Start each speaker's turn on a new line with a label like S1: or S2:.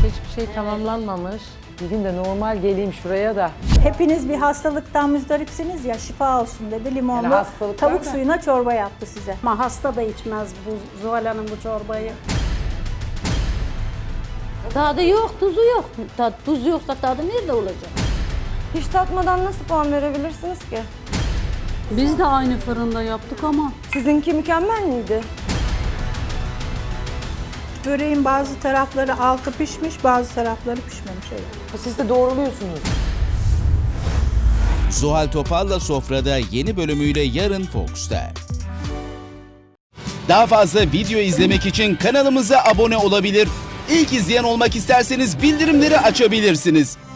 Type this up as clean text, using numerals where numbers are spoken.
S1: hiçbir şey tamamlanmamış.
S2: Bir gün de normal geleyim şuraya da.
S3: Hepiniz bir hastalıktan müzdaripsiniz ya, şifa olsun dedi. Limonlu
S2: Yani hastalık
S3: tavuk
S2: var da.
S3: suyuna çorba yaptı size.
S4: Ama hasta da içmez bu Zuhal Hanım bu çorbayı.
S5: Tadı yok, tuzu yok. Tuz yoksa tadı nerede olacak?
S6: Hiç tatmadan nasıl puan verebilirsiniz ki?
S4: Biz de aynı fırında yaptık ama.
S6: Sizinki mükemmel miydi?
S3: Böreğin bazı tarafları altı pişmiş, bazı tarafları pişmemiş. Evet.
S2: Siz de doğruluyorsunuz.
S7: Zuhal Topal'la Sofra'da yeni bölümüyle yarın Fox'ta. Daha fazla video izlemek için kanalımıza abone olabilir. İlk izleyen olmak isterseniz bildirimleri açabilirsiniz.